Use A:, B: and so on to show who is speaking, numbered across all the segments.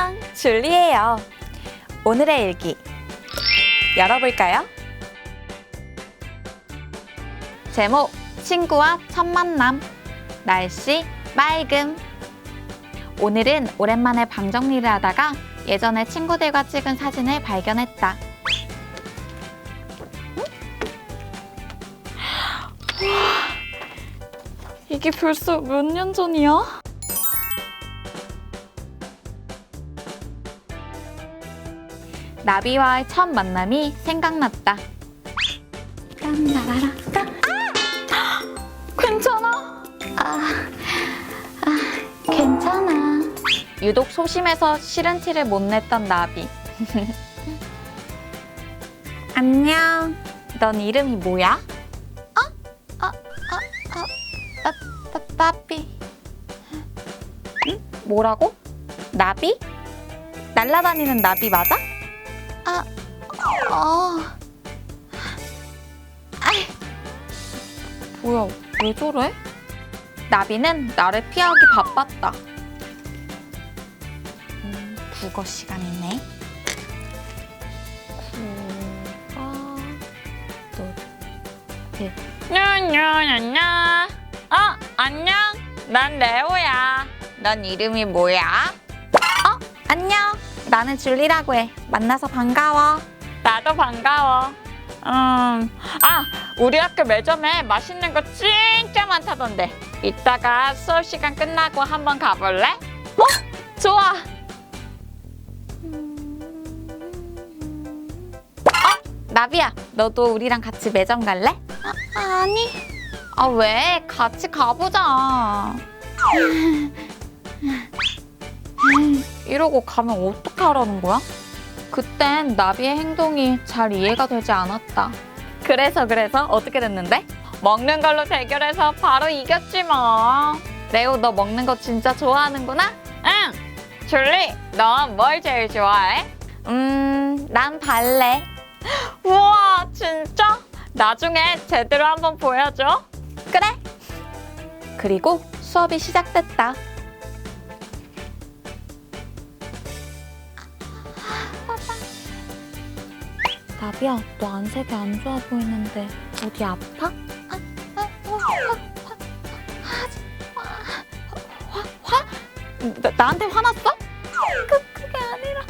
A: 안녕, 줄리예요. 오늘의 일기 열어볼까요? 제목, 친구와 첫 만남. 날씨, 맑음. 오늘은 오랜만에 방 정리를 하다가 예전에 친구들과 찍은 사진을 발견했다. 이게 벌써 몇 년 전이야? 나비와의 첫 만남이 생각났다. 딴라라라. 괜찮아? 괜찮아. 유독 소심해서 싫은 티를 못 냈던 나비. 안녕. 넌 이름이 뭐야? 나비. 응? 뭐라고? 나비? 날아다니는 나비 맞아? 뭐야, 왜 저래? 나비는 나를 피하기 바빴다. 국어 시간이네. 냐냐냐냐. 안녕. 난 레오야. 넌 이름이 뭐야? 안녕. 나는 줄리라고 해. 만나서 반가워. 나도 반가워. 우리 학교 매점에 맛있는 거 진짜 많다던데. 이따가 수업 시간 끝나고 한번 가볼래? 좋아. 나비야, 너도 우리랑 같이 매점 갈래? 아니. 왜? 같이 가보자. 이러고 가면 어떻게 하라는 거야? 그땐 나비의 행동이 잘 이해가 되지 않았다. 그래서 어떻게 됐는데? 먹는 걸로 대결해서 바로 이겼지 뭐. 레오, 너 먹는 거 진짜 좋아하는구나? 응. 줄리, 넌 뭘 제일 좋아해? 난 발레. 우와, 진짜? 나중에 제대로 한번 보여줘. 그래. 그리고 수업이 시작됐다. 나비야, 너 안색이 안 좋아 보이는데 어디 아파? 나한테 화났어? 그게 아니라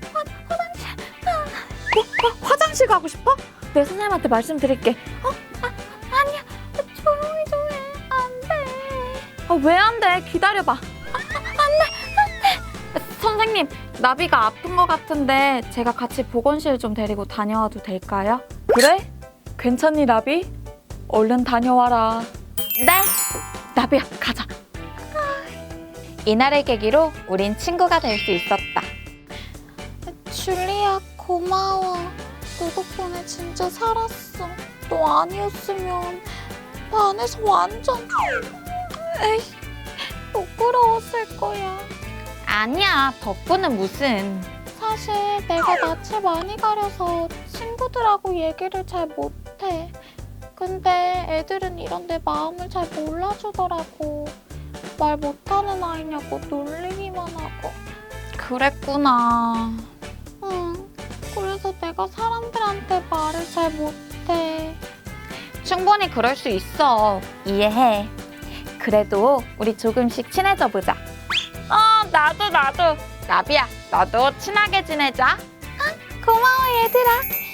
A: 화장실. 화장실 가고 싶어? 내 선생님한테 말씀드릴게. 아니야. 조용히 좀 해. 안 돼. 왜 안 돼? 기다려봐. 안 돼. 선생님, 나비가 아픈 것 같은데 제가 같이 보건실 좀 데리고 다녀와도 될까요? 그래? 괜찮니, 나비? 얼른 다녀와라. 네. 나비야, 가자. 이날을 계기로 우린 친구가 될 수 있었다. 줄리야, 고마워. 너 덕분에 진짜 살았어. 너 아니었으면 반에서 완전 부끄러웠을 거야. 아니야, 덕분은 무슨. 사실 내가 낯을 많이 가려서 친구들하고 얘기를 잘 못해. 근데 애들은 이런 내 마음을 잘 몰라주더라고. 말 못하는 아이냐고 놀리기만 하고. 그랬구나. 응, 그래서 내가 사람들한테 말을 잘 못해. 충분히 그럴 수 있어. 이해해. 그래도 우리 조금씩 친해져 보자. 나도. 나비야, 너도 친하게 지내자. 고마워, 얘들아.